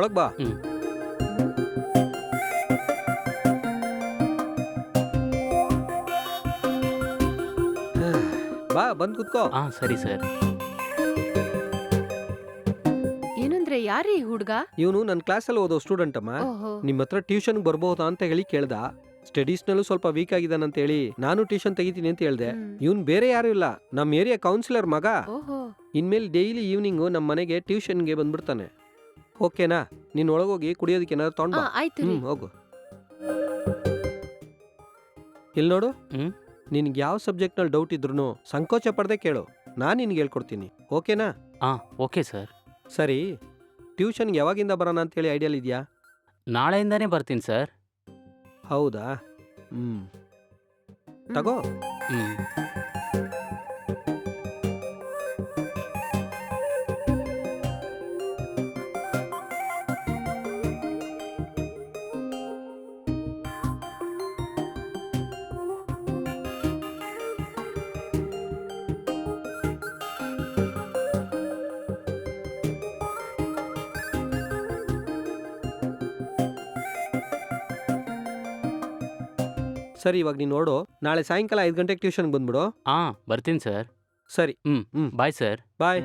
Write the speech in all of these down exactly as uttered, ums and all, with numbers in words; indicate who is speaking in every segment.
Speaker 1: ಒಳಗ್ ಬಾ.
Speaker 2: ಹ್ಮ್.
Speaker 1: ಬಾ ಬಂದ್ ಕುತ್ಕೋ.
Speaker 2: ಹಾ ಸರಿ ಸರ್.
Speaker 3: ಏನಂದ್ರೆ ಯಾರೀ ಹುಡ್ಗ?
Speaker 1: ಇವನು ನನ್ನ ಕ್ಲಾಸಲ್ಲಿ ಓದೋ ಸ್ಟೂಡೆಂಟ್ ಅಮ್ಮ.
Speaker 3: ಓಹೋ.
Speaker 1: ನಿಮ್ಮ ಹತ್ರ ಟ್ಯೂಷನ್ ಬರ್ಬಹುದಾ ಅಂತ ಹೇಳಿ ಕೇಳ್ದ. ಸ್ಟಡೀಸ್ನಲ್ಲೂ ಸ್ವಲ್ಪ ವೀಕ್ ಆಗಿದ್ದಾನಂತ ಹೇಳಿ ನಾನು ಟ್ಯೂಷನ್ ತೆಗಿತೀನಿ ಅಂತ ಹೇಳ್ದೆ.
Speaker 3: ಹ್ಮ್.
Speaker 1: ಇವನ್ ಬೇರೆ ಯಾರು ಇಲ್ಲ, ನಮ್ಮ ಏರಿಯಾ ಕೌನ್ಸಿಲರ್ ಮಗ.
Speaker 3: ಓಹೋ.
Speaker 1: ಇನ್ಮೇಲೆ ಡೈಲಿ ಈವ್ನಿಂಗು ನಮ್ಮ ಮನೆಗೆ ಟ್ಯೂಷನ್ಗೆ ಬಂದ್ಬಿಡ್ತಾನೆ. ಓಕೆನಾ? ನೀನ್ ಒಳಗೋಗಿ ಕುಡಿಯೋದಕ್ಕೆ ಏನಾದ್ರು ತಗೊಂಡ್
Speaker 3: ಆ,
Speaker 1: ಬಾ.
Speaker 3: ಆಯ್ತು ರೀ.
Speaker 1: ಹ್ಮ್ ಹೋಗು. ಇಲ್ಲಿ ನೋಡು,
Speaker 2: ಹ್ಮ್.
Speaker 1: ನಿನ್ಗೆ ಯಾವ ಸಬ್ಜೆಕ್ಟ್ನಲ್ಲಿ ಡೌಟ್ ಇದ್ರೂ ಸಂಕೋಚ ಪಡದೆ ಕೇಳು, ನಾನು ನಿನ್ಗೆ ಹೇಳ್ಕೊಡ್ತೀನಿ. ಓಕೆನಾ?
Speaker 2: ಹಾ ಓಕೆ ಸರ್.
Speaker 1: ಸರಿ, ಟ್ಯೂಷನ್ಗೆ ಯಾವಾಗಿಂದ ಬರೋಣ ಅಂತೇಳಿ ಐಡಿಯಲ್ ಇದೆಯಾ?
Speaker 2: ನಾಳೆಯಿಂದಾನೇ ಬರ್ತೀನಿ ಸರ್.
Speaker 1: ಹೌದಾ? ಹ್ಮ್
Speaker 3: ಹ್ಮ್.
Speaker 1: ತಗೋ.
Speaker 2: ಹ್ಮ್.
Speaker 1: ಸರಿ, ಇವಾಗ ನೀನು ನೋಡು, ನಾಳೆ ಸಾಯಂಕಾಲ ಐದು ಗಂಟೆಗೆ ಟ್ಯೂಷನ್ಗೆ ಬಂದ್ಬಿಡು.
Speaker 2: ಹಾ ಬರ್ತೀನಿ ಸರ್.
Speaker 1: ಸರಿ,
Speaker 2: ಹ್ಮ್.
Speaker 1: ಹ್ಮ್
Speaker 2: ಬಾಯ್ ಸರ್.
Speaker 1: ಬಾಯ್.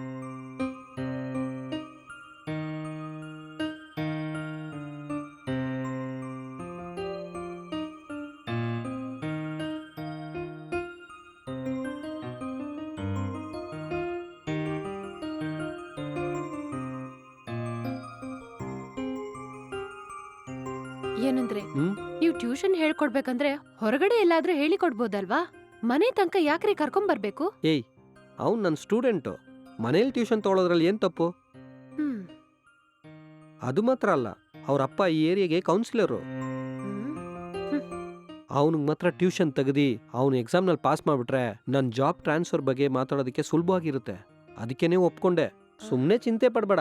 Speaker 3: ಏನಂದ್ರೆ
Speaker 1: ಹ್ಮ್
Speaker 3: ನೀವು ಟ್ಯೂಷನ್ ಹೇಳ್ಕೊಡ್ಬೇಕಂದ್ರೆ ಹೊರಗಡೆ ಎಲ್ಲಾದ್ರೂ ಹೇಳಿ ಕೊಡ್ಬೋದಲ್ವಾ? ಮನೆ ತನಕ ಯಾಕ್ರಿ ಕರ್ಕೊಂಡ್ ಬರ್ಬೇಕು?
Speaker 1: ಏಯ್, ಅವ್ನು ನನ್ನ ಸ್ಟೂಡೆಂಟು. ಮನೇಲಿ ಟ್ಯೂಷನ್ ತೊಗೊಳೋದ್ರಲ್ಲಿ ಏನು ತಪ್ಪು?
Speaker 3: ಹ್ಮ್.
Speaker 1: ಅದು ಮಾತ್ರ ಅಲ್ಲ, ಅವ್ರ ಅಪ್ಪ ಈ ಏರಿಯಾಗೆ ಕೌನ್ಸಿಲರು.
Speaker 3: ಹ್ಮ್.
Speaker 1: ಅವನಿಗೆ ಮಾತ್ರ ಟ್ಯೂಷನ್ ತೆಗೆದು ಅವನು ಎಕ್ಸಾಮ್ನಲ್ಲಿ ಪಾಸ್ ಮಾಡಿಬಿಟ್ರೆ ನನ್ನ ಜಾಬ್ ಟ್ರಾನ್ಸ್ಫರ್ ಬಗ್ಗೆ ಮಾತಾಡೋದಕ್ಕೆ ಸುಲಭವಾಗಿರುತ್ತೆ. ಅದಕ್ಕೇನೆ ಒಪ್ಕೊಂಡೆ. ಸುಮ್ಮನೆ ಚಿಂತೆ ಪಡಬೇಡ.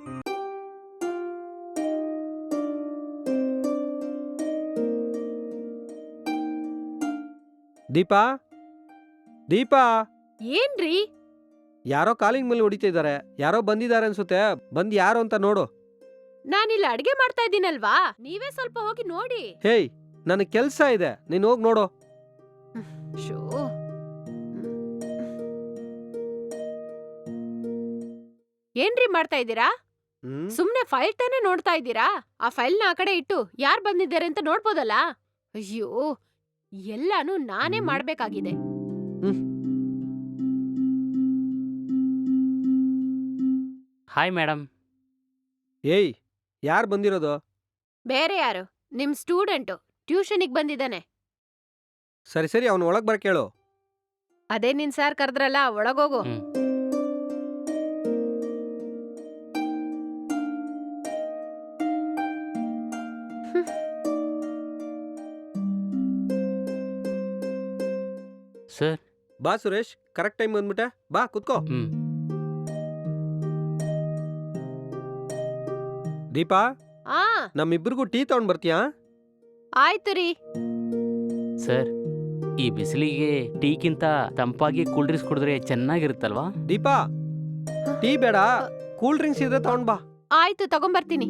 Speaker 1: ದೀಪಾ, ದೀಪಾ,
Speaker 3: ಏನ್ರಿ?
Speaker 1: ಯಾರೋ ಕಾಲಿಂಗ್ ಮೇಲೆ ಹೊಡಿತಾ ಇದ್ದಾರೆ. ಯಾರೋ ಬಂದಿದ್ದಾರೆ ಅನ್ಸುತ್ತೆ. ಬಂದ್ ಯಾರು ಅಂತ ನೋಡು.
Speaker 3: ನಾನಿಲ್ಲಿ ಅಡ್ಗೆ ಮಾಡ್ತಾ ಇದ್ದೀನಲ್ವಾ, ನೀವೇ ಸ್ವಲ್ಪ ಹೋಗಿ ನೋಡಿ.
Speaker 1: ಹೇಯ್, ನನಗೆ ಕೆಲಸ ಇದೆ, ನೀನು ಹೋಗಿ ನೋಡು.
Speaker 3: ಶೋ. ಏನ್ರಿ ಮಾಡ್ತಾ ಇದ್ದೀರಾ?
Speaker 1: ಹ್ಮ್
Speaker 3: ಸುಮ್ನೆ ಫೈಲ್ ತಾನೇ ನೋಡ್ತಾ ಇದ್ದೀರಾ? ಆ ಫೈಲ್ನ ಆ ಕಡೆ ಇಟ್ಟು ಯಾರ್ ಬಂದಿದ್ದಾರೆ ಅಂತ ನೋಡ್ಬೋದಲ್ಲ? ಅಯ್ಯೋ, ಎಲ್ಲಾನು ನಾನೇ
Speaker 1: ಹ್ಮ್.
Speaker 3: ಮಾಡ್ಬೇಕಾಗಿದೆ.
Speaker 2: Hi madam.
Speaker 1: ಏಯ್, ಯಾರು ಬಂದಿರೋದು?
Speaker 3: ಬೇರೆ ಯಾರು? ನಿಮ್ ಸ್ಟೂಡೆಂಟು ಟ್ಯೂಷನಿಗ್ ಬಂದಿದ್ದಾನೆ.
Speaker 1: ಸರಿ ಸರಿ, ಅವನು ಒಳಗೆ ಬರ ಕೇಳು.
Speaker 3: ಅದೇ ನಿನ್ ಸಾರ್ ಕರೆದ್ರಲ್ಲ, ಒಳಗೋಗು.
Speaker 2: ಹ್ಮ್. ಸರ್.
Speaker 1: ಬಾ ಸುರೇಶ್, ಕರೆಕ್ಟ್ ಟೈಮ್ ಬಂದ್ಬಿಟ್ಟೆ. ಬಾ ಕುತ್ಕೋ.
Speaker 2: ಹ್ಮ್.
Speaker 1: ದೀಪಾ,
Speaker 3: ಆ,
Speaker 1: ನಮ್ಮಿಬ್ಬರಿಗೂ ಟೀ ತಗೊಂಡ್ ಬರ್ತೀಯಾ?
Speaker 3: ಆಯ್ತು ರೀ.
Speaker 2: ಸರ್, ಈ ಬಿಸಿಲಿಗೆ ಟೀಕ್ಕಿಂತ ತಂಪಾಗಿ ಕೂಲ್ ಡ್ರಿಂಕ್ಸ್ ಕುಡಿದ್ರೆ ಚೆನ್ನಾಗಿರುತ್ತಲ್ವಾ?
Speaker 1: ದೀಪಾ, ಟೀ ಬೇಡ, ಕೂಲ್ ಡ್ರಿಂಕ್ಸ್ ಇದ್ರೆ ತಗೊಂಡ್ ಬಾ.
Speaker 3: ಆಯ್ತು, ತಗೊಂಬರ್ತೀನಿ.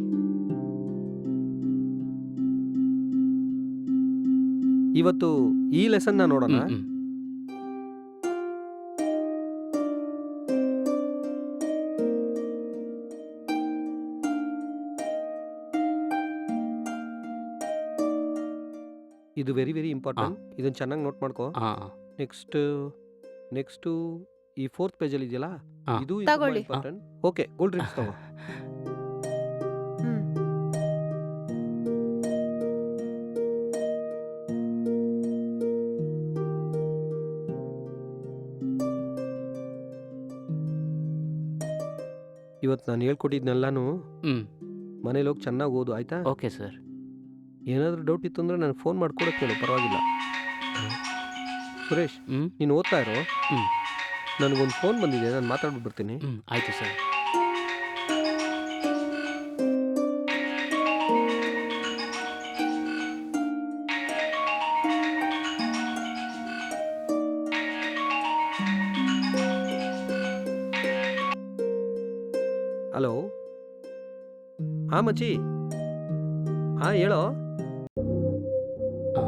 Speaker 1: ಇವತ್ತು ಈ ಲೆಸನ್ನ ನೋಡೋಣ.
Speaker 2: ಹ್ಮ್, ಹ್ಮ್.
Speaker 1: ಇದು ವೆರಿ ವೆರಿ ಇಂಪಾರ್ಟೆಂಟ್. ಇದನ್ನ ಚೆನ್ನಾಗಿ ನೋಟ್ ಮಾಡ್ಕೋ.
Speaker 2: ಆ,
Speaker 1: ನೆಕ್ಸ್ಟ್ ನೆಕ್ಸ್ಟ್ ಈ ಫೋರ್ತ್ ಪೇಜಲ್ಲಿ ಇದೆಯಲ್ಲ,
Speaker 2: ಹಾ.
Speaker 1: ಇದು
Speaker 3: ತಗೊಳ್ಳಿ.
Speaker 1: ಇಂಪಾರ್ಟೆಂಟ್. ಓಕೆ, ಕೂಲ್ ಡ್ರಿಂಕ್ಸ್ ತಗೋ.
Speaker 3: ಹ್ಮ್.
Speaker 1: ಇವತ್ತು ನಾನು ಹೇಳ್ಕೊಟ್ಟಿದ್ನೆಲ್ಲಾನು
Speaker 2: ಹ್ಮ್.
Speaker 1: ಮನೇಲಿ ಹೋಗಿ ಚೆನ್ನಾಗಿ ಓದು, ಆಯ್ತಾ?
Speaker 2: Okay sir.
Speaker 1: ಏನಾದರೂ ಡೌಟ್ ಇತ್ತು ಅಂದ್ರೆ ನನಗೆ ಫೋನ್ ಮಾಡ್ಕೊಡಕ್ಕೆ ಹೇಳು, ಪರವಾಗಿಲ್ಲ. ಸುರೇಶ್,
Speaker 2: ಹ್ಮ್.
Speaker 1: ನೀನು ಓದ್ತಾ ಇರೋ.
Speaker 2: ಹ್ಮ್.
Speaker 1: ನನಗೊಂದು ಫೋನ್ ಬಂದಿದೆ, ನಾನು ಮಾತಾಡ್ಬಿಟ್ಟು ಬರ್ತೀನಿ.
Speaker 2: ಹ್ಮ್ ಆಯ್ತು ಸರ್.
Speaker 1: ಹಲೋ, ಹಾ ಮಚ್ಚಿ. ಹಾ ಹೇಳೋ.
Speaker 2: ಆ,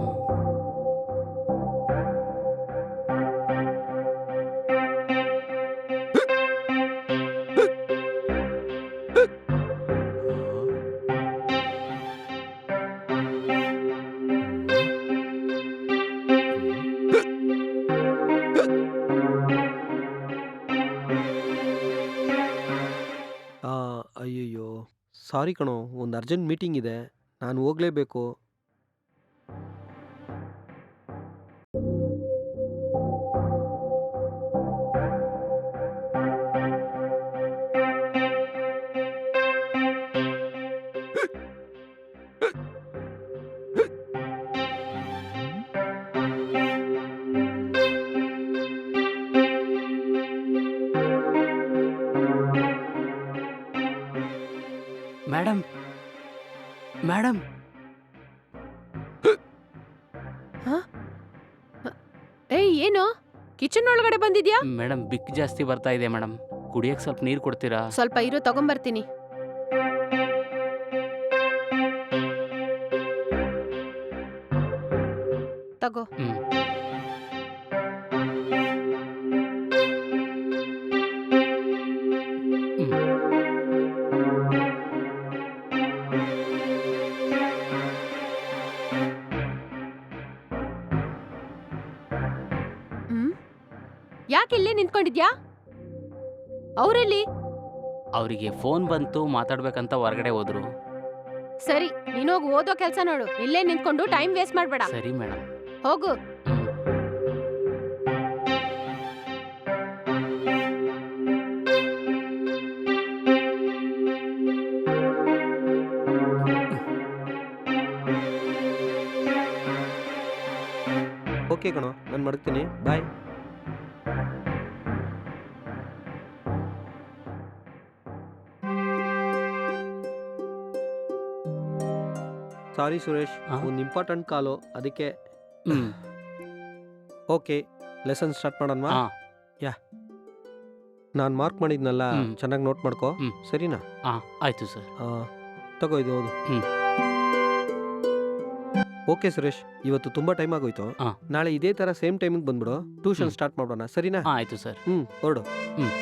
Speaker 1: ಆ, ಅಯ್ಯಯ್ಯೋ, ಸಾರಿ ಕಣೋ, ಒಂದು ಅರ್ಜೆಂಟ್ ಮೀಟಿಂಗ್ ಇದೆ, ನಾನು ಹೋಗ್ಲೇಬೇಕು.
Speaker 2: ಮೇಡಮ್ ಮೇಡಮ್
Speaker 3: ಏಯ್ ಏನು ಕಿಚನ್ ಒಳಗಡೆ ಬಂದಿದ್ಯಾ?
Speaker 2: ಮೇಡಮ್ ಬಿಕ್ ಜಾಸ್ತಿ ಬರ್ತಾ ಇದೆ ಮೇಡಮ್. ಕುಡಿಯಕ್ಕೆ ಸ್ವಲ್ಪ ನೀರು ಕೊಡ್ತೀರಾ?
Speaker 3: ಸ್ವಲ್ಪ ಇರು, ತಗೊಂಬರ್ತೀನಿ. ತಗೋ.
Speaker 2: ಹ್ಮ್. ಹ್ಮ್.
Speaker 3: ಹ್ಮ್ ಯಾಕೆ ಇಲ್ಲೇ ನಿಂತ್ಕೊಂಡಿದ್ಯಾ? ಅವ್ರೆಲ್ಲಿ?
Speaker 2: ಅವರಿಗೆ ಫೋನ್ ಬಂತು, ಮಾತಾಡ್ಬೇಕಂತ ಹೊರಗಡೆ ಹೋದ್ರು.
Speaker 3: ಸರಿ, ನೀನೋಗಿ ಓದೋ ಕೆಲ್ಸ ನೋಡು. ಇಲ್ಲೇ ನಿಂತ್ಕೊಂಡು ಟೈಮ್ ವೇಸ್ಟ್ ಮಾಡ್ಬೇಡ.
Speaker 2: ಸರಿ ಮೇಡಮ್.
Speaker 3: ಹೋಗು.
Speaker 2: ಹ್ಮ್.
Speaker 1: ಓಕೆ ಕಣೋ, ನಾನು ಮಡಗ್ತೀನಿ. ಬಾಯ್. ಸಾರಿ ಸುರೇಶ್,
Speaker 2: ಆ?
Speaker 1: ಒಂದು ಇಂಪಾರ್ಟೆಂಟ್ ಕಾಲು, ಅದಕ್ಕೆ.
Speaker 2: ಹ್ಮ್.
Speaker 1: ಓಕೆ, ಲೆಸನ್ ಸ್ಟಾರ್ಟ್ ಮಾಡೋಣವಾ?
Speaker 2: ಹಾ.
Speaker 1: ನಾನು ಮಾರ್ಕ್ ಮಾಡಿದ್ನಲ್ಲ,
Speaker 2: ಹ್ಮ್.
Speaker 1: ಚೆನ್ನಾಗಿ ನೋಟ್ ಮಾಡ್ಕೋ.
Speaker 2: ಹ್ಮ್.
Speaker 1: ಸರಿನಾ?
Speaker 2: ಹಾ ಆಯ್ತು ಸರ್.
Speaker 1: ಆ, ತಗೋ ಇದು ಹೌದು.
Speaker 2: ಹ್ಮ್.
Speaker 1: ಓಕೆ ಸುರೇಶ್, ಇವತ್ತು ತುಂಬಾ ಟೈಮ್ ಆಗೋಯ್ತು.
Speaker 2: ಆ.
Speaker 1: ನಾಳೆ ಇದೇ ತರ ಸೇಮ್ ಟೈಮಿಗೆ ಬಂದ್ಬಿಡು, ಟ್ಯೂಷನ್
Speaker 2: ಹ್ಮ್.
Speaker 1: ಸ್ಟಾರ್ಟ್ ಮಾಡೋಣ. ಸರಿನಾ?
Speaker 2: ಹಾ ಆಯ್ತು ಸರ್.
Speaker 1: ಹ್ಮ್, ಹೊರಡು.
Speaker 2: ಹ್ಮ್.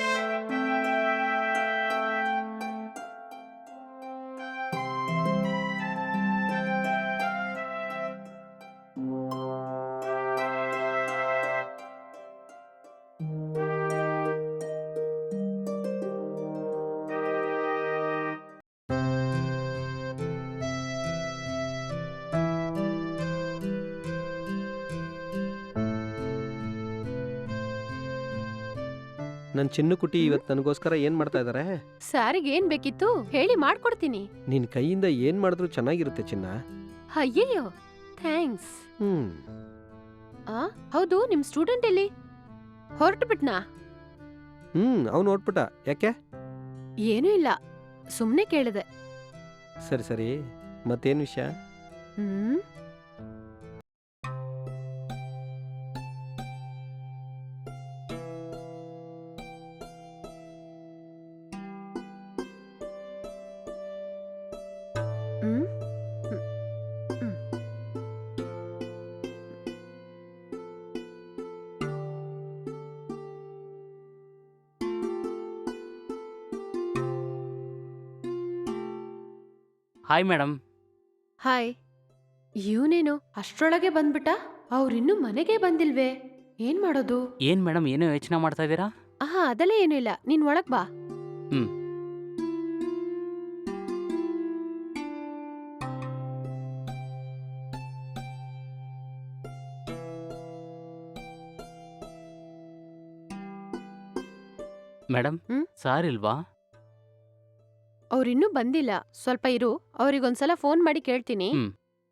Speaker 1: ನನ್ನ ಚಿನ್ನು ಕುಟಿ ಇವತ್ತು ನನಗೋಸ್ಕರ ಏನ್ ಮಾಡ್ತಾ ಇದಾರೆ?
Speaker 3: ಸಾರಿಗೆ ಏನ್ ಬೇಕಿತ್ತು ಹೇಳಿ ಮಾಡ್ಕೊಡ್ತೀನಿ.
Speaker 1: ನಿನ್ ಕೈಯಿಂದ ಏನ್ ಮಾಡಿದ್ರು ಚೆನ್ನಾಗಿರುತ್ತೆ ಚಿನ್ನ.
Speaker 3: ಅಯ್ಯಯ್ಯೋ, ಥ್ಯಾಂಕ್ಸ್.
Speaker 1: ಹ್ಮ್.
Speaker 3: ಆ ಹೌದು, ನಿಮ್ ಸ್ಟೂಡೆಂಟ್ ಎಲ್ಲಿ? ಹೊರಟು ಬಿಟ್ನಾ?
Speaker 1: ಹ್ಮ್ ಅವ್ನು ನೋಡ್ಬಿಟ್ಟ. ಯಾಕೆ?
Speaker 3: ಏನೂ ಇಲ್ಲ, ಸುಮ್ನೆ ಕೇಳಿದೆ.
Speaker 1: ಸರಿ ಸರಿ, ಮತ್ತೇನ್ ವಿಷಯ?
Speaker 3: ಹ್ಮ್ ಹ್ಮ್ ಹ್ಮ್. ಹ್ಮ್.
Speaker 2: Hi madam.
Speaker 3: ಹಾಯ್. ಇವನೇನು ಅಷ್ಟ್ರೊಳಗೆ ಬಂದ್ಬಿಟ್ಟ? ಅವ್ರಿನ್ನೂ ಮನೆಗೆ ಬಂದಿಲ್ವೇ? ಏನ್ ಮಾಡೋದು?
Speaker 2: ಏನ್ ಮೇಡಮ್ ಏನೋ ಯೋಚನೆ ಮಾಡ್ತಾ ಇದ್ದೀರಾ?
Speaker 3: ಆಹಾ, ಅದೆಲ್ಲ ಏನೂ ಇಲ್ಲ, ನೀನ್ ಒಳಗ್ ಬಾ.
Speaker 2: ಹ್ಮ್. ಮೇಡಮ್
Speaker 3: ಹ್ಮ್?
Speaker 2: ಸಾರ್ ಇಲ್ವಾ?
Speaker 3: ಅವ್ರಿನ್ನೂ ಬಂದಿಲ್ಲ, ಸ್ವಲ್ಪ ಇರು, ಅವ್ರಿಗೊಂದ್ಸಲ ಫೋನ್ ಮಾಡಿ ಕೇಳ್ತೀನಿ.
Speaker 2: ಹ್ಮ್.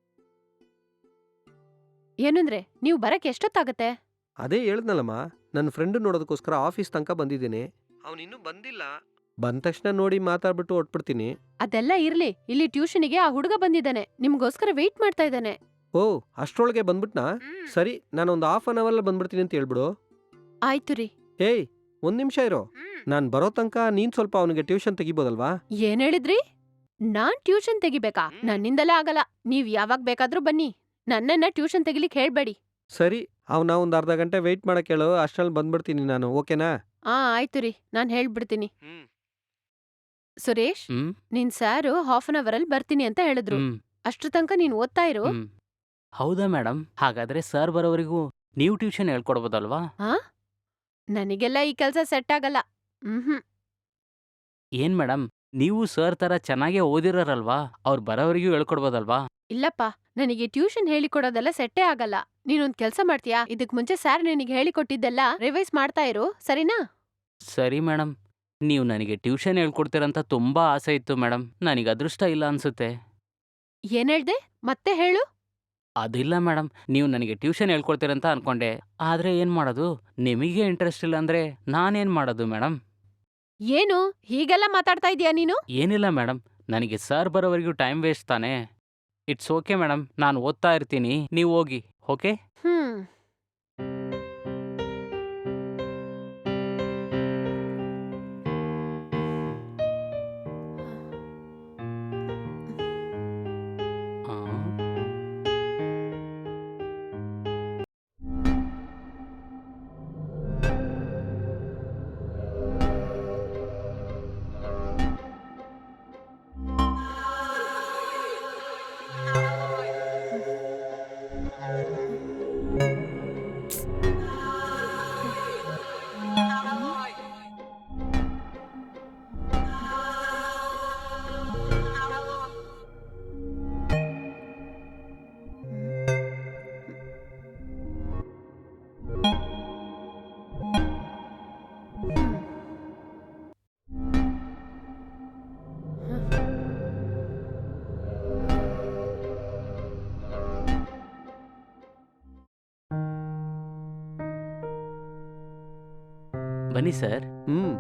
Speaker 3: ಏನಂದ್ರೆ ನೀವು ಬರಕ್ ಎಷ್ಟೊತ್ತಾಗತ್ತೆ?
Speaker 1: ಅದೇ ಹೇಳ್ದ್ನಲ್ಲಮ್ಮ, ನನ್ನ ಫ್ರೆಂಡ್ ನೋಡೋದಕ್ಕೋಸ್ಕರ ಆಫೀಸ್ ತನಕ ಬಂದಿದ್ದೀನಿ. ಅವನಿನ್ನೂ ಬಂದಿಲ್ಲ. ಬಂದ ತಕ್ಷಣ ನೋಡಿ ಮಾತಾಡ್ಬಿಟ್ಟು ಹೊಟ್ಬಿಡ್ತೀನಿ.
Speaker 3: ಅದೆಲ್ಲ ಇರ್ಲಿ, ಇಲ್ಲಿ ಟ್ಯೂಷನಿಗೆ ಆ ಹುಡುಗ ಬಂದಿದ್ದಾನೆ, ನಿಮ್ಗೋಸ್ಕರ ವೆಯ್ಟ್ ಮಾಡ್ತಾ ಇದ್ದಾನೆ.
Speaker 1: ಓ, ಅಷ್ಟ್ರೊಳಗೆ ಬಂದ್ಬಿಟ್ನಾ? ಸರಿ, ನಾನೊಂದು ಹಾಫ್ ಅನ್ ಅವರ್ ಬಂದ್ಬಿಡ್ತೀನಿ ಅಂತ ಹೇಳ್ಬಿಡು.
Speaker 3: ಆಯ್ತು ರೀ.
Speaker 1: ಏಯ್, ಒಂದ್ ನಿಮಿಷ ಇರೋ. ನಾನು ಬರೋ ತನಕ ನೀನ್ ಸ್ವಲ್ಪ ಅವನಿಗೆ ಟ್ಯೂಷನ್ ತೆಗಿಬೋದಲ್ವಾ?
Speaker 3: ಏನ್ ಹೇಳಿದ್ರಿ? ನಾನ್ ಟ್ಯೂಷನ್ ತೆಗಿಬೇಕಾ? ನನ್ನಿಂದೆಲ್ಲ ಆಗಲ್ಲ. ನೀವ್ ಯಾವಾಗ ಬೇಕಾದ್ರೂ ಬನ್ನಿ. ನನ್ನನ್ನ ಟ್ಯೂಷನ್ ತೆಗಿಲಿಕ್ ಹೇಳ್ಬೇಡಿ.
Speaker 1: ಸರಿ, ಅವನ ಒಂದು ಅರ್ಧ ಗಂಟೆ ವೆಯ್ಟ್ ಮಾಡಕ್ಕೆ ಹೇಳು, ಅಷ್ಟ್ರಲ್ಲಿ ಬಂದ್ಬಿಡ್ತೀನಿ ನಾನು, ಓಕೆನಾ?
Speaker 3: ಆ ಆಯ್ತು ರೀ, ನಾನ್ ಹೇಳ್ಬಿಡ್ತೀನಿ. ಸುರೇಶ್,
Speaker 2: ಹ್ಮ್
Speaker 3: ನಿನ್ ಸಾರು ಹಾಫ್ ಅನ್ ಅವರ್ ಅಲ್ಲಿ ಬರ್ತೀನಿ ಅಂತ ಹೇಳಿದ್ರು.
Speaker 2: ಹ್ಮ್
Speaker 3: ಅಷ್ಟ್ರ ತನಕ ನೀನ್ ಓದ್ತಾ ಇರು.
Speaker 2: ಹ್ಮ್ ಹೌದಾ ಮೇಡಮ್? ಹಾಗಾದ್ರೆ ಸರ್ ಬರೋವರೆಗೂ ನೀವು ಟ್ಯೂಷನ್ ಹೇಳ್ಕೊಡ್ಬೋದಲ್ವಾ?
Speaker 3: ಹಾ ನನಗೆಲ್ಲ ಈ ಕೆಲ್ಸ ಸೆಟ್ ಆಗಲ್ಲ. ಹ್ಮ್
Speaker 2: ಏನ್ ಮೇಡಮ್, ನೀವು ಸರ್ ತರ ಚೆನ್ನಾಗೇ ಓದಿರೋರಲ್ವಾ? ಅವ್ರು ಬರೋವರೆಗೂ ಹೇಳ್ಕೊಡ್ಬೋದಲ್ವಾ?
Speaker 3: ಇಲ್ಲಪ್ಪ, ನನಗೆ ಟ್ಯೂಷನ್ ಹೇಳಿಕೊಡೋದೆಲ್ಲ ಸೆಟ್ಟೇ ಆಗಲ್ಲ. ನೀನೊಂದ್ ಕೆಲ್ಸ ಮಾಡ್ತೀಯಾ? ಇದಕ್ ಮುಂಚೆ ಸಾರ್ ನಿನಗೆ ಹೇಳಿಕೊಟ್ಟಿದ್ದೆಲ್ಲ ರಿವೈಸ್ ಮಾಡ್ತಾ ಇರು, ಸರಿನಾ?
Speaker 2: ಸರಿ ಮೇಡಮ್. ನೀವು ನನಗೆ ಟ್ಯೂಷನ್ ಹೇಳ್ಕೊಡ್ತೀರಂತ ತುಂಬಾ ಆಸೆ ಇತ್ತು ಮೇಡಮ್. ನನಗೆ ಅದೃಷ್ಟ ಇಲ್ಲ ಅನ್ಸುತ್ತೆ.
Speaker 3: ಏನ್ ಹೇಳ್ದೆ? ಮತ್ತೆ ಹೇಳು.
Speaker 2: ಅದಿಲ್ಲ ಮೇಡಮ್, ನೀವು ನನಗೆ ಟ್ಯೂಷನ್ ಹೇಳ್ಕೊಡ್ತೀರಂತ ಅನ್ಕೊಂಡೆ. ಆದ್ರೆ ಏನ್ ಮಾಡೋದು, ನಿಮಗೆ ಇಂಟ್ರೆಸ್ಟ್ ಇಲ್ಲ ಅಂದ್ರೆ ನಾನೇನ್ ಮಾಡೋದು ಮೇಡಮ್?
Speaker 3: ಏನು ಹೀಗೆಲ್ಲ ಮಾತಾಡ್ತಾ ಇದೀಯಾ ನೀನು?
Speaker 2: ಏನಿಲ್ಲ ಮೇಡಮ್, ನನಗೆ ಸರ್ ಬರೋವರೆಗೂ ಟೈಮ್ ವೇಸ್ಟ್ ತಾನೇ. ಇಟ್ಸ್ ಓಕೆ ಮೇಡಮ್, ನಾನು ಓದ್ತಾ ಇರ್ತೀನಿ, ನೀವು ಹೋಗಿ. ಓಕೆ?
Speaker 3: ಹ್ಮ್
Speaker 2: ಆ, ಬನ್ನಿ ಸರ್.
Speaker 1: ಹ್ಮ್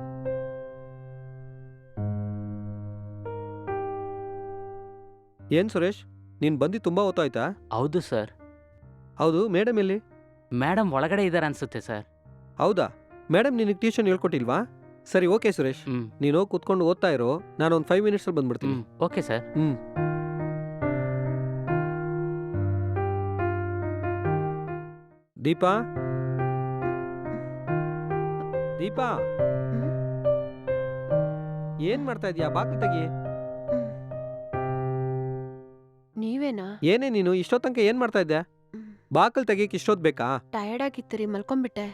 Speaker 1: ಏನ್ ಸುರೇಶ್, ನೀನ್ ಬಂದು ತುಂಬಾ ಹೊತ್ತಾಯ್ತಾ?
Speaker 2: ಹೌದು ಸರ್.
Speaker 1: ಹೌದು, ಮೇಡಮ್ ಎಲ್ಲಿ?
Speaker 2: ಮೇಡಮ್ ಒಳಗಡೆ ಇದ್ದಾರೆ ಅನ್ಸುತ್ತೆ ಸರ್.
Speaker 1: ಹೌದಾ, ಮೇಡಮ್ ನಿನಗೆ ಟ್ಯೂಷನ್ ಹೇಳ್ಕೊಟ್ಟಿಲ್ವಾ? ಸರಿ, ಓಕೆ ಸುರೇಶ್,
Speaker 2: ಹ್ಮ್
Speaker 1: ನೀನು ಹೋಗ್ ಕೂತ್ಕೊಂಡು ಓದ್ತಾ ಇರೋ, ನಾನು ಒಂದು ಫೈವ್ ಮಿನಿಟ್ಸಲ್ಲಿ ಬಂದ್ಬಿಡ್ತೀನಿ.
Speaker 2: ಹ್ಮ್ ಓಕೆ ಸರ್.
Speaker 1: ಹ್ಮ್ ದೀಪಾ, ದೀಪಾ, ಏನ್ ಮಾಡ್ತಾ ಇದೀಯಾ? ಬಾಕಿ ತೆಗಿ.
Speaker 3: ನೀವೇನಾ?
Speaker 1: ಏನೇ ನೀನು ಇಷ್ಟೊತ್ ತನಕ ಏನ್ ಮಾಡ್ತಾ ಇದ್ದೆ? ಬಾಕಲ್ ತೆಗಿಯಕ್ ಇಷ್ಟೊತ್ ಬೇಕಾ?
Speaker 3: ಟಯರ್ಡ್ ಆಗಿತ್ತು ರೀ, ಮಲ್ಕೊಂಡ್ಬಿಟ್ಟೆ.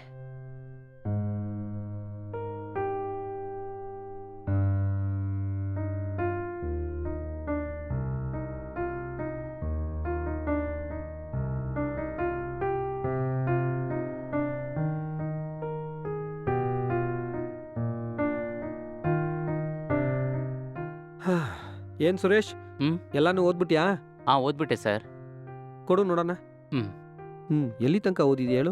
Speaker 1: ಹಾ, ಏನ್ ಸುರೇಶ್,
Speaker 2: ಹ್ಮ್
Speaker 1: ಎಲ್ಲಾನು ಓದ್ಬಿಟ್ಯಾ?
Speaker 2: ಹಾ ಓದ್ಬಿಟ್ಟೆ ಸರ್.
Speaker 1: ಕೊಡು ನೋಡೋಣ.
Speaker 2: ಹ್ಮ್
Speaker 1: ಹ್ಮ್ ಎಲ್ಲಿ ತನಕ ಓದಿದ್ಯಾ ಹೇಳು?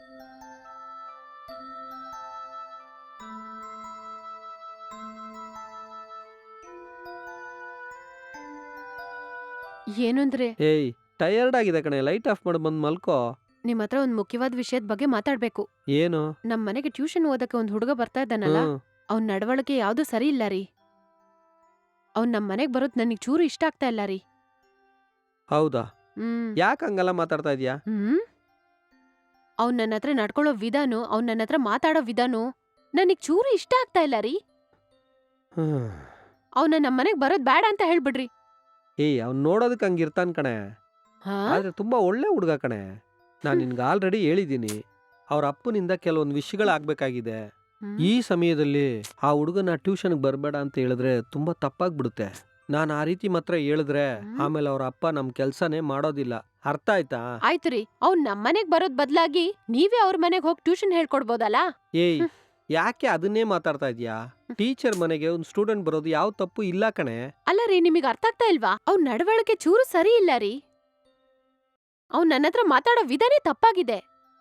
Speaker 3: ಏನಂದ್ರೆ,
Speaker 1: ಏಯ್, ಟಯರ್ಡ್ ಆಗಿದೆ ಕಣೆ, ಲೈಟ್ ಆಫ್ ಮಾಡಿ ಬಂದ್ ಮಲ್ಕೋ.
Speaker 3: ನಿಮ್ ಹತ್ರ ಒಂದ್ ಮುಖ್ಯವಾದ ವಿಷಯದ ಬಗ್ಗೆ ಮಾತಾಡ್ಬೇಕು.
Speaker 1: ಏನು?
Speaker 3: ನಮ್ ಮನೆಗೆ ಟ್ಯೂಷನ್ ಓದಕ್ಕೆ ಒಂದ್ ಹುಡುಗ ಬರ್ತಾ ಇದ್ದಾನಲ್ಲ,
Speaker 1: ಹ್ಮ್.
Speaker 3: ಅವ್ನ್ ನಡವಳಿಕೆ ಯಾವ್ದು ಸರಿ ಇಲ್ಲ ರೀ. ಅವ್ನ್ ನಮ್ ಮನೆಗ್ ಬರೋದ್ ನನಗ್ ಚೂರು ಇಷ್ಟ ಆಗ್ತಾ ಇಲ್ಲ ರೀ.
Speaker 1: ಹೌದಾ?
Speaker 3: ಹ್ಮ್
Speaker 1: ಯಾಕೆ ಹಂಗೆಲ್ಲ ಮಾತಾಡ್ತಾ ಇದೀಯಾ?
Speaker 3: ಹ್ಮ್ ಅವ್ನ್ ನನ್ನ ಹತ್ರ ನಡ್ಕೊಳ್ಳೋ ವಿಧಾನು, ಅವ್ನ್ ನನ್ನ ಹತ್ರ ಮಾತಾಡೋ ವಿಧಾನು ನನಗ್ ಚೂರು ಇಷ್ಟ ಆಗ್ತಾ ಇಲ್ಲ ರೀ.
Speaker 1: ಹ್ಮ್.
Speaker 3: ಅವ್ನ ನಮ್ ಮನೆಗ್ ಬರೋದ್ ಬೇಡ ಅಂತ ಹೇಳ್ಬಿಡ್ರಿ.
Speaker 1: ಏಯ್, ಅವ್ನ್ ನೋಡೋದಕ್ಕೆ ಹಂಗಿರ್ತಾನ್ ಕಣೆ,
Speaker 3: ಹಾ
Speaker 1: ಆದ್ರೆ ತುಂಬಾ ಒಳ್ಳೆ ಹುಡುಗ ಕಣೆ. ನಾನ್ ನಿನ್ಗೆ ಆಲ್ರೆಡಿ ಹೇಳಿದ್ದೀನಿ, ಅವ್ರ ಅಪ್ಪನಿಂದ ಕೆಲವೊಂದು ವಿಷಯಗಳಾಗ್ಬೇಕಾಗಿದೆ.
Speaker 3: ಹ್ಮ್.
Speaker 1: ಈ ಸಮಯದಲ್ಲಿ ಆ ಹುಡುಗನ ಟ್ಯೂಷನ್ಗೆ ಬರಬೇಡ ಅಂತ ಹೇಳಿದ್ರೆ ತುಂಬಾ ತಪ್ಪಾಗ್ಬಿಡುತ್ತೆ. ನಾನು ಆ ರೀತಿ ಮಾತ್ರ ಹೇಳಿದ್ರೆ
Speaker 3: ಹ್ಮ್.
Speaker 1: ಆಮೇಲೆ ಅವ್ರ ಅಪ್ಪ ನಮ್ ಕೆಲ್ಸನೇ ಮಾಡೋದಿಲ್ಲ. ಅರ್ಥ ಆಯ್ತಾ?
Speaker 3: ಆಯ್ತು ರೀ, ಅವ್ನ್ ನಮ್ ಮನೆಗ್ ಬರೋದ್ ಬದ್ಲಾಗಿ ನೀವೇ ಅವ್ರ ಮನೆಗ್ ಹೋಗಿ ಟ್ಯೂಷನ್ ಹೇಳ್ಕೊಡ್ಬೋದಲ್ಲ.
Speaker 1: ಏಯ್,
Speaker 3: ಹ್ಮ್.
Speaker 1: ಯಾಕೆ ಅದನ್ನೇ ಮಾತಾಡ್ತಾ ಇದೀಯಾ? ಟೀಚರ್ ಮನೆಗೆ ಒಂದು ಸ್ಟೂಡೆಂಟ್ ಬರೋದು ಯಾವ ತಪ್ಪು ಇಲ್ಲ ಕಣೆ.
Speaker 3: ಅಲ್ಲ ರೀ, ನಿಮಗ್ ಅರ್ಥ ಆಗ್ತಾ ಇಲ್ವಾ? ಅವ್ನ್ ನಡವಳಿಕೆ ಚೂರು ಸರಿ ಇಲ್ಲ ರೀ. ಅವ್ನ್ ನನ್ನ ಹತ್ರ ಮಾತಾಡೋ ವಿಧಾನೇ ತಪ್ಪಾಗಿದೆ.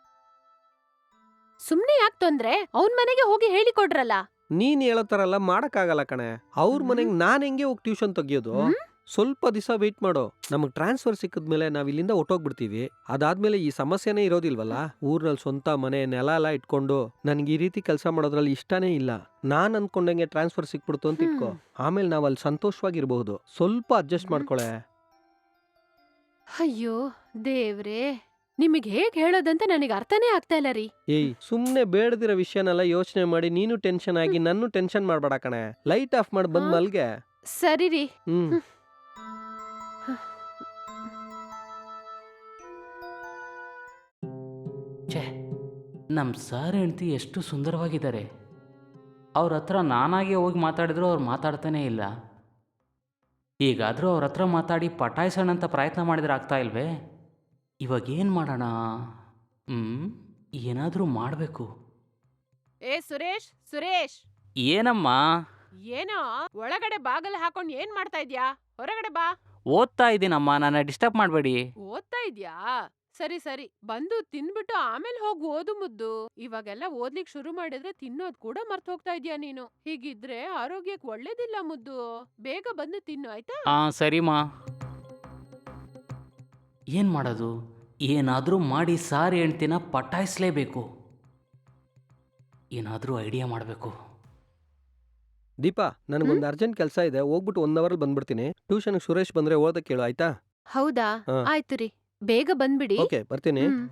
Speaker 3: ಸುಮ್ನೆ ಯಾಕ್ ತೊಂದ್ರೆ? ಅವ್ನ್ ಮನೆಗೆ ಹೋಗಿ ಹೇಳಿಕೊಡ್ರಲ್ಲ.
Speaker 1: ನೀನ್ ಹೇಳೋ ಥರ ಎಲ್ಲ ಮಾಡಕ್ಕಾಗಲ್ಲ ಕಣೆ. ಅವ್ರ
Speaker 3: ಹ್ಮ್.
Speaker 1: ಮನೆಗೆ ನಾನ್ ಹೆಂಗೆ ಹೋಗಿ ಟ್ಯೂಷನ್ ತೆಗಿಯೋದು?
Speaker 3: ಹ್ಮ್?
Speaker 1: ಸ್ವಲ್ಪ ದಿವಸ ವೆಯ್ಟ್ ಮಾಡೋ. ನಮಗ್ ಟ್ರಾನ್ಸ್ಫರ್ ಸಿಕ್ಕಿದ್ಮೇಲೆ ನಾವ್ ಇಲ್ಲಿಂದ ಹೊಟ್ಟೋಗ್ಬಿಡ್ತೀವಿ. ಅದಾದ್ಮೇಲೆ ಈ ಸಮಸ್ಯೆನೇ ಇರೋದಿಲ್ವಲ್ಲ. ಊರ್ನಲ್ಲಿ ಸ್ವಂತ ಮನೆ ನೆಲ ಎಲ್ಲ ಇಟ್ಕೊಂಡು ನನ್ಗೆ ಈ ರೀತಿ ಕೆಲಸ ಮಾಡೋದ್ರಲ್ಲಿ ಇಷ್ಟನೇ ಇಲ್ಲ. ನಾನ್ ಅನ್ಕೊಂಡಂಗೆ ಟ್ರಾನ್ಸ್ಫರ್ ಸಿಕ್ಬಿಡ್ತು ಅಂತ ಇಟ್ಕೋ.
Speaker 3: ಹ್ಮ್.
Speaker 1: ಆಮೇಲೆ ನಾವ್ ಅಲ್ಲಿ ಸಂತೋಷವಾಗಿರ್ಬಹುದು. ಸ್ವಲ್ಪ ಅಡ್ಜಸ್ಟ್
Speaker 3: ಹ್ಮ್.
Speaker 1: ಮಾಡ್ಕೊಳೆ.
Speaker 3: ಅಯ್ಯೋ ದೇವ್ರೇ, ನಿಮಗೆ ಹೇಗ್ ಹೇಳೋದಂತ ನನಗೆ ಅರ್ಥನೇ ಆಗ್ತಾ ಇಲ್ಲ ರೀ.
Speaker 1: ಏಯ್ ಸುಮ್ನೆ ಬೇಡದಿರೋ ವಿಷಯನೆಲ್ಲ ಯೋಚನೆ ಮಾಡಿ ನೀನು ಟೆನ್ಷನ್ ಆಗಿ ನನ್ನೂ ಟೆನ್ಷನ್ ಮಾಡ್ಬೇಡ ಕಣೆ. ಲೈಟ್ ಆಫ್ ಮಾಡಿ ಬಂದ್
Speaker 3: ಹಾ?
Speaker 1: ಮಲ್ಗೆ.
Speaker 3: ಸರಿ ರೀ.
Speaker 1: ಹ್ಮ್
Speaker 3: ಹ್ಮ್.
Speaker 2: ಛೇ, ನಮ್ಮ ಸರ್ ಹೆಂಡ್ತಿ ಎಷ್ಟು ಸುಂದರವಾಗಿದ್ದಾರೆ. ಅವ್ರ ಹತ್ರ ನಾನಾಗೆ ಹೋಗಿ ಮಾತಾಡಿದ್ರು ಅವ್ರು ಮಾತಾಡ್ತಾನೇ ಇಲ್ಲ. ಈಗಾದರೂ ಅವ್ರ ಹತ್ರ ಮಾತಾಡಿ ಪಟಾಯಿಸೋಣ ಅಂತ ಪ್ರಯತ್ನ ಮಾಡಿದ್ರೆ ಆಗ್ತಾ ಇಲ್ವೇ? ಇವಾಗ ಏನು ಮಾಡೋಣ? ಹ್ಞೂ ಏನಾದರೂ ಮಾಡಬೇಕು.
Speaker 3: ಏ ಸುರೇಶ್, ಸುರೇಶ್,
Speaker 2: ಏನಮ್ಮ?
Speaker 3: ಏನೋ ಒಳಗಡೆ ಬಾಗಲ್ ಹಾಕೊಂಡ್ ಏನ್ ಮಾಡ್ತಾ ಇದ್ಯಾ? ಹೊರಗಡೆ ಬಾ.
Speaker 2: ಓದ್ತಾ ಇದ್ದೀನಮ್ಮ, ನನ್ನ ಡಿಸ್ಟರ್ಬ್ ಮಾಡಬೇಡಿ.
Speaker 3: ಓದ್ತಾ ಇದ್ಯಾ? ಸರಿ ಸರಿ, ಬಂದು ತಿನ್ಬಿಟ್ಟು ಆಮೇಲೆ ಹೋಗ್ ಓದು ಮುದ್ದು. ಇವಾಗೆಲ್ಲ ಓದ್ಲಿಕ್ ಶುರು ಮಾಡಿದ್ರೆ ತಿನ್ನೋದ್ ಕೂಡ ಮರ್ತ್ ಹೋಗ್ತಾ ಇದ್ಯಾ ನೀನು. ಹೀಗಿದ್ರೆ ಆರೋಗ್ಯಕ್ಕೆ ಒಳ್ಳೇದಿಲ್ಲ ಮುದ್ದು. ಬೇಗ ಬಂದು ತಿನ್ನು ಆಯ್ತಾ?
Speaker 2: ಹಾಂ ಸರಿಮಾ. ಏನು ಮಾಡೋದು? ಏನಾದರೂ ಮಾಡಿ ಸಾರಿ ಹೆಂಡ್ತಿನ ಪಟಾಯಿಸ್ಲೇಬೇಕು. ಏನಾದರೂ ಐಡಿಯಾ ಮಾಡಬೇಕು.
Speaker 1: ದೀಪಾ, ನನಗೊಂದು ಅರ್ಜೆಂಟ್ ಕೆಲಸ ಇದೆ. ಹೋಗ್ಬಿಟ್ಟು ಒನ್ ಅವರ್ ಬಂದ್ಬಿಡ್ತೀನಿ. ಟ್ಯೂಷನ್ ಸುರೇಶ್ ಬಂದ್ರೆ ಓದಕ್ ಕೇಳು ಆಯ್ತಾ?
Speaker 3: ಹೌದಾ?
Speaker 1: ಹಾ.
Speaker 3: ಆಯ್ತು ರೀ, ಬೇಗ ಬಂದ್ಬಿಡಿ.
Speaker 1: ಓಕೆ, ಬರ್ತೀನಿ.
Speaker 3: ಹ್ಮ್.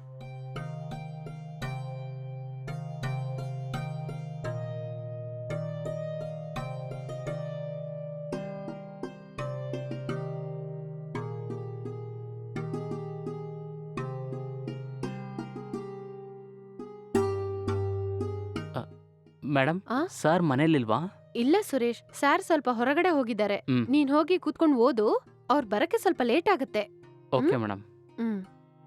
Speaker 2: ಮೇಡಮ್,
Speaker 3: ಆ?
Speaker 2: ಸರ್ ಮನೇಲಿಲ್ವಾ?
Speaker 3: ಇಲ್ಲ ಸುರೇಶ್, ಸಾರ್ ಸ್ವಲ್ಪ ಹೊರಗಡೆ ಹೋಗಿದ್ದಾರೆ.
Speaker 2: ಹ್ಮ್.
Speaker 3: ನೀನ್ ಹೋಗಿ ಕೂತ್ಕೊಂಡು ಓದು. ಅವ್ರ್ ಬರಕ್ಕೆ ಸ್ವಲ್ಪ ಲೇಟ್ ಆಗತ್ತೆ.
Speaker 2: Okay madam.
Speaker 3: ಹ್ಮ್.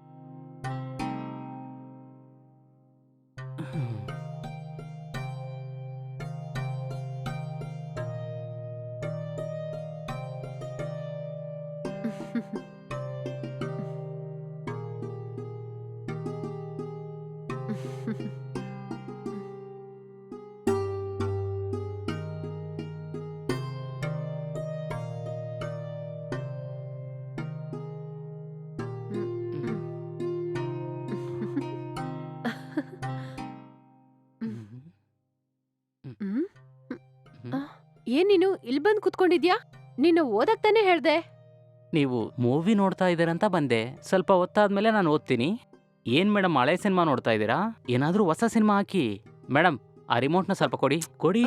Speaker 3: ಹ್ಮ್? ಆ, ಏನ್ ನೀನು ಇಲ್ಲಿ ಬಂದ್ ಕುತ್ಕೊಂಡಿದ್ಯಾ? ನೀನು ಓದಕ್ ತಾನೇ ಹೇಳ್ದೆ.
Speaker 2: ನೀವು ಮೂವಿ ನೋಡ್ತಾ ಇದ್ದೀರಂತ ಬಂದೆ. ಸ್ವಲ್ಪ ಹೊತ್ತಾದ್ಮೇಲೆ ನಾನು ಓದ್ತೀನಿ. ಏನ್ ಮೇಡಮ್, ಹಳೆ ಸಿನಿಮಾ ನೋಡ್ತಾ ಇದ್ದೀರಾ? ಏನಾದರೂ ಹೊಸ ಸಿನಿಮಾ ಹಾಕಿ. ಮೇಡಮ್, ಆ ರಿಮೋಟ್ನ ಸ್ವಲ್ಪ ಕೊಡಿ ಕೊಡಿ.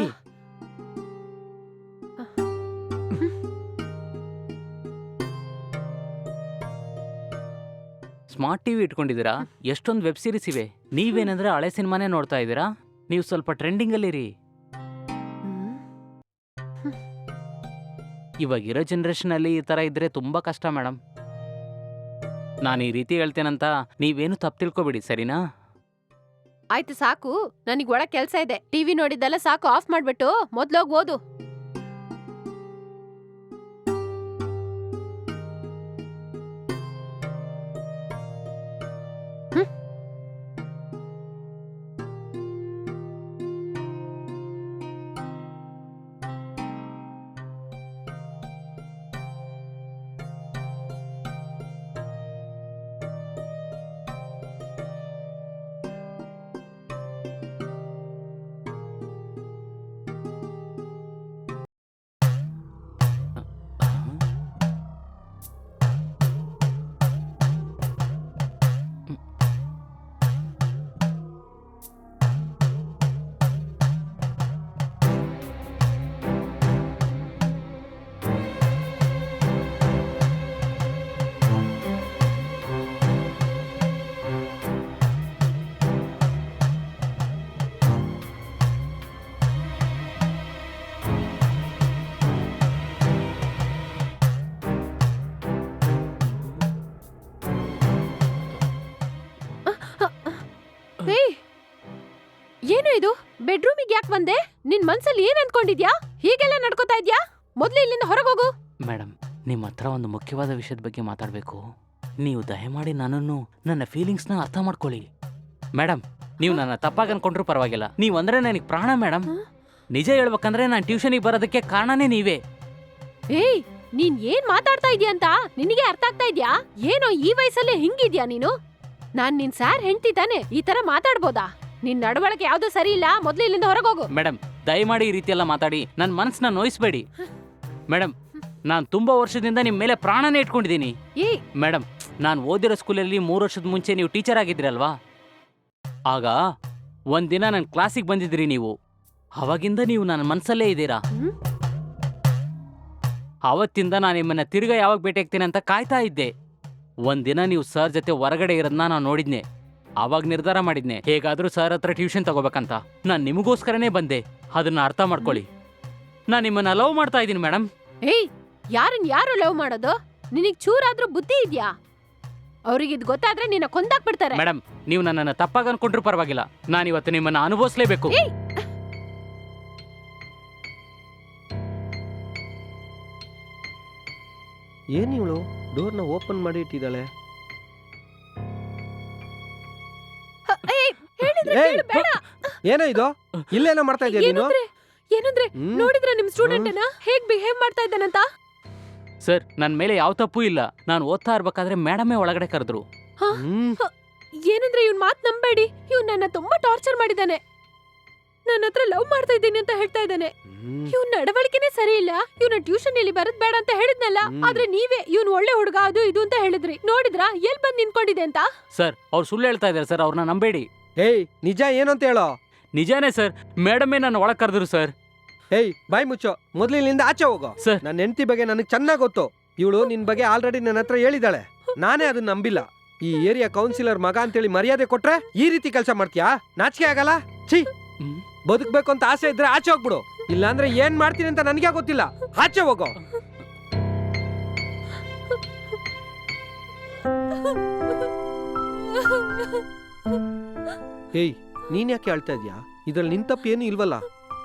Speaker 2: ಸ್ಮಾರ್ಟ್ ಟಿವಿ ಇಟ್ಕೊಂಡಿದ್ದೀರಾ? ಎಷ್ಟೊಂದು ವೆಬ್ ಸೀರೀಸ್ ಇವೆ. ನೀವೇನಂದ್ರೆ ಹಳೆ ಸಿನಿಮಾನೇ ನೋಡ್ತಾ ಇದ್ದೀರಾ? ನೀವು ಸ್ವಲ್ಪ ಟ್ರೆಂಡಿಂಗಲ್ಲಿರಿ. ಇವಾಗಿರೋ ಜನ್ರೇಷನಲ್ಲಿ ಈ ಥರ ಇದ್ದರೆ ತುಂಬ ಕಷ್ಟ ಮೇಡಮ್. ನಾನು ಈ ರೀತಿ ಹೇಳ್ತೇನಂತ ನೀವೇನು ತಪ್ಪು ತಿಳ್ಕೊಬೇಡಿ, ಸರಿನಾ?
Speaker 3: ಆಯ್ತು ಸಾಕು, ನನಗ್ ಒಳಗ್ ಕೆಲ್ಸ ಇದೆ. ಟಿವಿ ನೋಡಿದ್ದೆಲ್ಲ ಸಾಕು, ಆಫ್ ಮಾಡ್ಬಿಟ್ಟು ಮೊದ್ಲೋಗ್ ಓದು. ಹ್ಮ್. ಏಯ್, ಏನು ಇದು? ಬೆಡ್ರೂಮಿಗೆ ಯಾಕೆ ಬಂದೆ? ನಿನ್ ಮನ್ಸಲ್ಲಿ ಏನ್ ಅನ್ಕೊಂಡಿದ್ಯಾ? ಹೀಗೆಲ್ಲ ನಡ್ಕೋತಾ ಇದ್ಯಾ? ಮೊದ್ಲು ಇಲ್ಲಿಂದ ಹೊರಗೋಗು.
Speaker 2: ಮೇಡಮ್, ನಿಮ್ಮ ಹತ್ರ ಒಂದು ಮುಖ್ಯವಾದ ವಿಷಯದ ಬಗ್ಗೆ ಮಾತಾಡಬೇಕು. ನೀವು ದಯಮಾಡಿ ನನ್ನನ್ನು, ನನ್ನ ಫೀಲಿಂಗ್ಸ್ನ ಅರ್ಥ ಮಾಡ್ಕೊಳ್ಳಿ. ಮೇಡಮ್, ನೀವು ನನ್ನ ತಪ್ಪಾಗಿ ಅನ್ಕೊಂಡ್ರೂ ಪರವಾಗಿಲ್ಲ. ನೀವು ಅಂದ್ರೆ ನನಗೆ ಪ್ರಾಣ ಮೇಡಮ್. ನಿಜ ಹೇಳ್ಬೇಕಂದ್ರೆ ನಾನು ಟ್ಯೂಷನಿಗೆ ಬರೋದಕ್ಕೆ ಕಾರಣನೇ ನೀವೇ.
Speaker 3: ಏಯ್, ನೀನ್ ಏನ್ ಮಾತಾಡ್ತಾ ಇದ್ಯಾ ಅಂತ ನಿನಗೆ ಅರ್ಥ ಆಗ್ತಾ ಇದ್ಯಾ? ಏನೋ ಈ ವಯಸ್ಸಲ್ಲೇ ಹಿಂಗಿದ್ಯಾ ನೀನು? ನಾನ್ ನಿನ್ ಸಾರ್ ಹೆಂಡ್ತಿ ತಾನೆ, ಈ ತರ ಮಾತಾಡ್ಬೋದಾ? ನಿನ್ ನಡವಳಿಕೆ ಯಾವ್ದೂ ಸರಿ ಇಲ್ಲ, ಮೊದ್ಲು ಇಲ್ಲಿಂದ ಹೊರಗೋಗು.
Speaker 2: ಮೇಡಮ್ ದಯಮಾಡಿ ಈ ರೀತಿ ಎಲ್ಲ ಮಾತಾಡಿ ನನ್ನ ಮನಸ್ಸನ್ನ ನೋಯಿಸ್ಬೇಡಿ. ಮೇಡಮ್ ನಾನು ತುಂಬಾ ವರ್ಷದಿಂದ ನಿಮ್ಮ ಮೇಲೆ ಪ್ರಾಣನೇ ಇಟ್ಕೊಂಡಿದ್ದೀನಿ.
Speaker 3: ಏ
Speaker 2: ಮೇಡಮ್ ನಾನು ಓದಿರೋ ಸ್ಕೂಲಲ್ಲಿ ಮೂರು ವರ್ಷದ ಮುಂಚೆ ನೀವು ಟೀಚರ್ ಆಗಿದ್ರಲ್ವಾ? ಆಗ ಒಂದಿನ ನನ್ನ ಕ್ಲಾಸಿಗೆ ಬಂದಿದ್ರಿ ನೀವು. ಅವಾಗಿಂದ ನೀವು ನನ್ನ ಮನಸ್ಸಲ್ಲೇ ಇದ್ದೀರಾ.
Speaker 3: ಹ್ಮ್?
Speaker 2: ಆವತ್ತಿಂದ ನಾನು ನಿಮ್ಮನ್ನ ತಿರ್ಗಾ ಯಾವಾಗ ಭೇಟಿ ಆಗ್ತೀನಿ ಅಂತ ಕಾಯ್ತಾ ಇದ್ದೆ. ಒಂದಿನ ನೀವು ಸರ್ ಜೊತೆ ಹೊರಗಡೆ ಇರೋದನ್ನ ನಾನು ನೋಡಿದ್ನೆ. ಆವಾಗ ನಿರ್ಧಾರ ಮಾಡಿದ್ನೆ ಹೇಗಾದ್ರೂ ಸರ್ ಹತ್ರ ಟ್ಯೂಷನ್ ತಗೋಬೇಕಂತ. ನಾನು ನಿಮಗೋಸ್ಕರನೇ ಬಂದೆ, ಅದನ್ನ ಅರ್ಥ ಮಾಡ್ಕೊಳ್ಳಿ. ನಾನು ನಿಮ್ಮನ್ನ ಲವ್ ಮಾಡ್ತಾ ಇದ್ದೀನಿ ಮೇಡಮ್.
Speaker 3: ಏಯ್ ಯಾರನ್ ಯಾರು ಲವ್ ಮಾಡೋದು? ನಿನಗ್ ಚೂರಾದ್ರೂ ಬುದ್ಧಿ ಇದ್ಯಾ? ಅವ್ರಿಗೆ ಇದ್ ಗೊತ್ತಾದ್ರೆ ನಿನ್ನ ಕೊಂದಾಕ್ಬಿಡ್ತಾರೆ.
Speaker 2: ಮೇಡಮ್ ನೀವು ನನ್ನನ್ನು ತಪ್ಪಾಗಿ ಅನ್ಕೊಂಡ್ರು ಪರವಾಗಿಲ್ಲ, ನಾನು ಇವತ್ತು ನಿಮ್ಮನ್ನ ಅನುಭವಿಸ್ಲೇಬೇಕು.
Speaker 3: ಏಯ್
Speaker 1: ಏನ್ ಇವಳು ಡೋರ್ನ ಓಪನ್ ಮಾಡಿ ಇಟ್ಟಿದ್ದಾಳೆ?
Speaker 3: ಹ, ಏಯ್, ಹೇಳಿದ್ರೆ
Speaker 1: ಏಯ್,
Speaker 3: ಕೇಳು, ಬೇಡ.
Speaker 1: ಏನೋ ಇದು? ಇಲ್ಲೇನೋ ಮಾಡ್ತಾ ಇದೀಯ ನೀನು?
Speaker 3: ಏನಂದ್ರೆ ಏನಂದ್ರೆ
Speaker 1: ಹ್ಮ್.
Speaker 3: ನೋಡಿದ್ರ ನಿಮ್ ಸ್ಟೂಡೆಂಟ್ ಅನ್ನ ಹೇಗ್ ಬಿಹೇವ್ ಮಾಡ್ತಾ ಇದ್ದಾನಂತ?
Speaker 2: ಸರ್ ನನ್ನ ಮೇಲೆ ಯಾವ ತಪ್ಪು ಇಲ್ಲ. ನಾನು ಓದ್ತಾ ಇರ್ಬೇಕಾದ್ರೆ ಮೇಡಮೇ ಒಳಗಡೆ ಕರೆದ್ರು.
Speaker 1: ಹ್ಮ್.
Speaker 3: ಏನಂದ್ರೆ ಇವ್ನ್ ಮಾತ್ ನಂಬೇಡಿ. ಇವ್ನ್ ನನ್ನ ತುಂಬಾ ಟಾರ್ಚರ್ ಮಾಡಿದಾನೆ. ನನ್ನ ಹತ್ರ ಲವ್ ಮಾಡ್ತಾ ಇದ್ದೀನಿ ಅಂತ ಹೇಳ್ತಾ ಇದ್ದಾನೆ.
Speaker 1: ಹ್ಮ್.
Speaker 3: ಇವ್ನ್ ನಡವಳಿಕೆನೇ ಸರಿ ಇಲ್ಲ. ಇವ್ನ ಟ್ಯೂಷನ್ ಇಲ್ಲಿ ಬರದ್ ಬೇಡ ಅಂತ ಹೇಳಿದ್ನಲ್ಲ,
Speaker 1: ಹ್ಮ್.
Speaker 3: ಆದ್ರೆ ನೀವೇ ಇವ್ನ್ ಒಳ್ಳೆ ಹುಡುಗ ಅದು ಇದು ಅಂತ ಹೇಳಿದ್ರಿ. ನೋಡಿದ್ರಾ ಎಲ್ ಬಂದ್ ನಿಂತ್ಕೊಂಡಿದೆ ಅಂತ?
Speaker 2: ಸರ್ ಅವ್ರು ಸುಳ್ಳು ಹೇಳ್ತಾ ಇದ್ದಾರೆ ಸರ್, ಅವ್ರನ್ನ ನಂಬೇಡಿ.
Speaker 1: ಏಯ್ ನಿಜ ಏನು ಅಂತ ಹೇಳೋ?
Speaker 2: ನಿಜಾನೇ ಸರ್, ಮೇಡಮೇ ನನ್ನ ಒಳಗೆ ಕರೆದ್ರು ಸರ್.
Speaker 1: ಏಯ್ ಬಾಯ್ ಮುಚ್ಚೋ, ಮೊದ್ಲು ಇಲ್ಲಿಂದ ಆಚೆ ಹೋಗೋ.
Speaker 2: ಸರ್
Speaker 1: ನನ್ನ ಹೆಂಡತಿ ಬಗ್ಗೆ ನನಗೆ ಚೆನ್ನಾಗಿ ಗೊತ್ತು. ಇವಳು ನಿನ್ ಬಗ್ಗೆ ಆಲ್ರೆಡಿ ನನ್ನ ಹತ್ರ ಹೇಳಿದಾಳೆ. ನಾನೇ ಅದನ್ನ ನಂಬಿಲ್ಲ. ಈ ಏರಿಯಾ ಕೌನ್ಸಿಲರ್ ಮಗ ಅಂತೇಳಿ ಮರ್ಯಾದೆ ಕೊಟ್ರೆ ಈ ರೀತಿ ಕೆಲಸ ಮಾಡ್ತೀಯಾ? ನಾಚಿಕೆ ಆಗಲ್ಲ? ಛೀ,
Speaker 2: ಹ್ಮ್.
Speaker 1: ಬದುಕ್ಬೇಕು ಅಂತ ಆಸೆ ಇದ್ರೆ ಆಚೆ ಹೋಗ್ಬಿಡು. ಇಲ್ಲಾಂದ್ರೆ ಏನ್ ಮಾಡ್ತೀನಿ ಅಂತ ನನಗೆ ಗೊತ್ತಿಲ್ಲ. ಆಚೆ ಹೋಗೋ. ಏಯ್ ನೀನ್ ಯಾಕೆ ಹೇಳ್ತಾ ಇದ್ಯಾ? ಇದ್ರಲ್ಲಿ ನಿನ್ ತಪ್ಪು ಏನು ಇಲ್ವಲ್ಲ.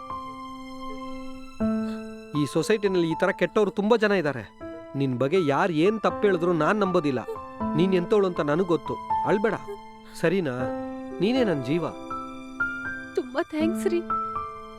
Speaker 1: ಈ ಸೊಸೈಟಿನಲ್ಲಿ ಈ ತರ ಕೆಟ್ಟವರು ತುಂಬಾ ಜನ ಇದ್ದಾರೆ. ನಿನ್ ಬಗ್ಗೆ ಯಾರು ಏನ್ ತಪ್ಪು ಹೇಳಿದ್ರು ನಾನ್ ನಂಬೋದಿಲ್ಲ. ನೀನ್ ಎಂತವಳು ಅಂತ ನನಗ್ ಗೊತ್ತು. ಅಳ್ಬೇಡ, ಸರಿನಾ? ನೀನೇ ನನ್ ಜೀವ.
Speaker 3: ತುಂಬಾ ಥ್ಯಾಂಕ್ಸ್ ರೀ.